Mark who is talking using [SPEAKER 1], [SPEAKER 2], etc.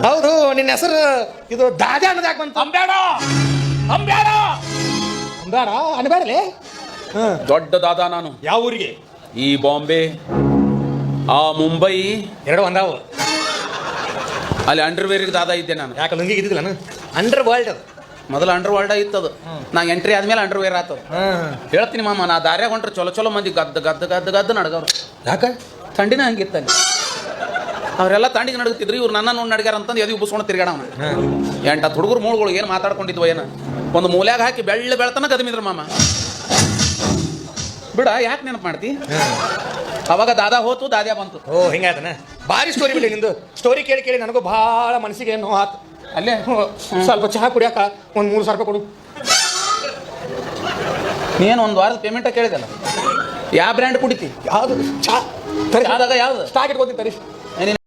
[SPEAKER 1] ಹೌದು, ನಿನ್ನ ಹೆಸರು ಇದು ದಾದ್ಯಾ ಅನ್ನೋದಾಕ ಬಂತು.
[SPEAKER 2] ಅಂಬ್ಯಾಡ ಅಂಬ್ಯಾಡ
[SPEAKER 1] ಬೇಡ ಅನ್ಬೇಡಲೇ.
[SPEAKER 2] ದೊಡ್ಡ ದಾದಾ ನಾನು.
[SPEAKER 1] ಯಾವ ಊರಿಗೆ?
[SPEAKER 2] ಈ ಬಾಂಬೆ, ಆ ಮುಂಬೈ
[SPEAKER 1] ಎರಡು ಒಂದಾವು.
[SPEAKER 2] ಅಲ್ಲಿ ಅಂಡರ್ವೇರಿಗೆ ದಾದಾ ಇದ್ದೆ ನಾನು.
[SPEAKER 1] ಯಾಕೆ ಲುಂಗಿಗೆ ಇದ್ದಿಲ್ಲ ನಾನು? ಅಂಡರ್ ವರ್ಲ್ಡ್ ಅದು
[SPEAKER 2] ಮೊದಲು ಅಂಡರ್ ವರ್ಲ್ಡ್ ಇತ್ತದು. ನಾ ಎಂಟ್ರಿ ಆದ್ಮೇಲೆ ಅಂಡರ್ವೇರ್ ಆತದ. ಹೇಳ್ತೀನಿ ಮಾಮ, ನಾ ದಾರ್ಯಾಗ ಹೊಂಟ್ರೆ ಚಲೋ ಚಲೋ ಮಂದಿ ಗದ್ದು ಗದ್ದು ಗದ್ದು ಗದ್ದು ನಡ್ಗವ್ರು.
[SPEAKER 1] ಯಾಕೆ?
[SPEAKER 2] ಥಂಡಿನ ಹಂಗಿತ್ತಲ್ಲಿ. ಅವರೆಲ್ಲ ತಂಡಿಗೆ ನಡಗುತ್ತಿದ್ರು, ಇವ್ರು ನನ್ನ ನೋಡಿ ನಡ್ಗ್ಯಾರ ಅಂತಂದು ಎದು ಉಬ್ಬಿಸ್ಕೊಂಡು ತಿರ್ಗಾಡವನ. 8 ಹುಡುಗರು ಮೂಳುಗಳು ಏನು ಮಾತಾಡ್ಕೊಂಡಿದ್ವು ಏನು, ಒಂದು ಮೂಲ್ಯಾಗ ಹಾಕಿ ಬೆಳ್ತನ ಗದಮಿದ್ರು ಮಾಮ. ಬಿಡ, ಯಾಕೆ ನೆನಪು ಮಾಡ್ತಿ? ಅವಾಗ ದಾದಾ ಹೋತು, ದಾದ್ಯಾ ಬಂತು.
[SPEAKER 1] ಓ ಹಿಂಗಾಯ್ತಾನೆ. ಭಾರಿ ಸ್ಟೋರಿ ಬಿಡಿ ನಿಂದು. ಸ್ಟೋರಿ ಕೇಳಿ ಕೇಳಿ ನನಗೂ ಭಾಳ ಮನಸ್ಸಿಗೆ ನೋವು ಆತು.
[SPEAKER 2] ಅಲ್ಲೇ
[SPEAKER 1] ಸ್ವಲ್ಪ ಚಹಾ ಕುಡಿಯಾಕ ಒಂದು 3,000 ರೂಪಾಯಿ ಕೊಡು.
[SPEAKER 2] ನೀನು ಒಂದು ವಾರದ ಪೇಮೆಂಟ ಕೇಳಿದಲ್ಲ. ಯಾವ ಬ್ರ್ಯಾಂಡ್ ಕುಡಿತಿ?
[SPEAKER 1] ಯಾವುದು ಚಹಾ ತರಿ?
[SPEAKER 2] ಯಾವ್ದಾಗ ಯಾವ್ದು
[SPEAKER 1] ಸ್ಟಾಕ್ ಇಟ್ಕೋತೀನಿ ತರಿ.